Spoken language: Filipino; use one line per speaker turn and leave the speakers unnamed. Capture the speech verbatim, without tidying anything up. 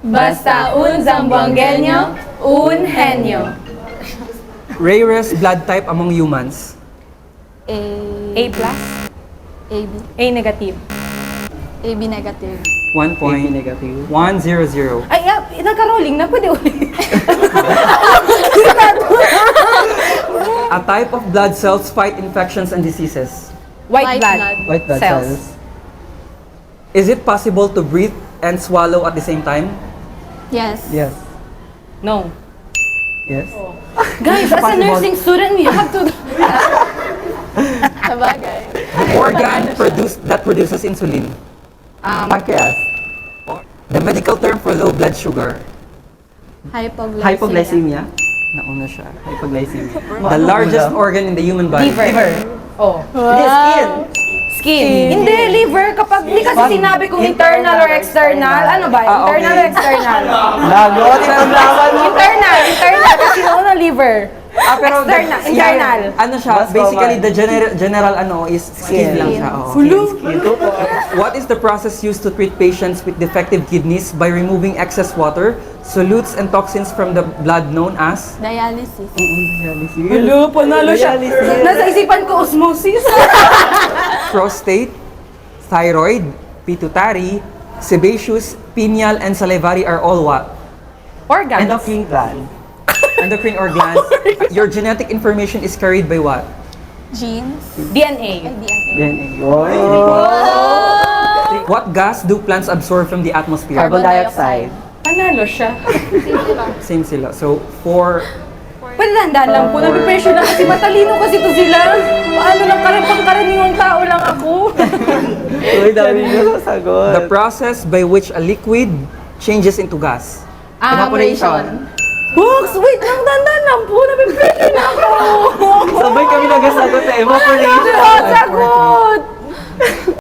Basta un zamboangueño, un henyo.
Rarest blood type among humans.
A,
A plus,
A B,
A negative.
A B negative.
One point.
negative.
One zero zero.
Ay, ah, nagka-rolling na, pwede ulit.
A type of blood cells fight infections and diseases.
White,
White
blood.
blood.
White blood
Cells.
cells.
Is it possible to breathe and swallow at the same time?
Yes.
Yes.
No.
Yes.
Guys, as a
Possible.
nursing student, we have to...
Sabagay.
Organ produce, that produces insulin.
Um,
Pancreas.
The medical term for low blood sugar.
Hypoglycemia.
Hypoglycemia.
Nauna siya.
Hypoglycemia.
The largest organ in the human body.
liver. Oh.
It is skin.
Skin. Hindi, liver. Kapag hindi kasi sinabi kung internal or external. Ano ba?
Ah, okay.
Internal or external?
Lagot ang laban mo.
Internal. Internal. Kasi nauna liver.
Ah, pero
External,
the-
internal.
Ano siya?
Mas
Basically,
common.
the general general ano is skin,
Skin.
lang siya. oo.
Skin ko po.
What is the process used to treat patients with defective kidneys by removing excess water, solutes, and toxins from the blood known as?
Dialysis.
Hello, panalo siya.
Dialysis.
Nasa isipan ko, osmosis.
Prostate, thyroid, pituitary, sebaceous, pineal, and salivary are all what?
Organs.
Endocrine gland.
Endocrine or glands. Your genetic information is carried by what?
Genes.
D N A.
Ay, D N A.
Then, oh.
What gas do plants absorb from the atmosphere?
Carbon dioxide.
Panalo siya.
Same sila. So, four.
Pwede dahan lang po. Napipressure na kasi matalino kasi to sila. Paano lang karang pangkaraniwang tao lang ako.
Uy, dami nyo sasagot.
The process by which a liquid changes into gas.
Evaporation.
Books, wait lang, dandan lang po. Napipressure na ako.
Sabay kami nagasagot sa evaporation.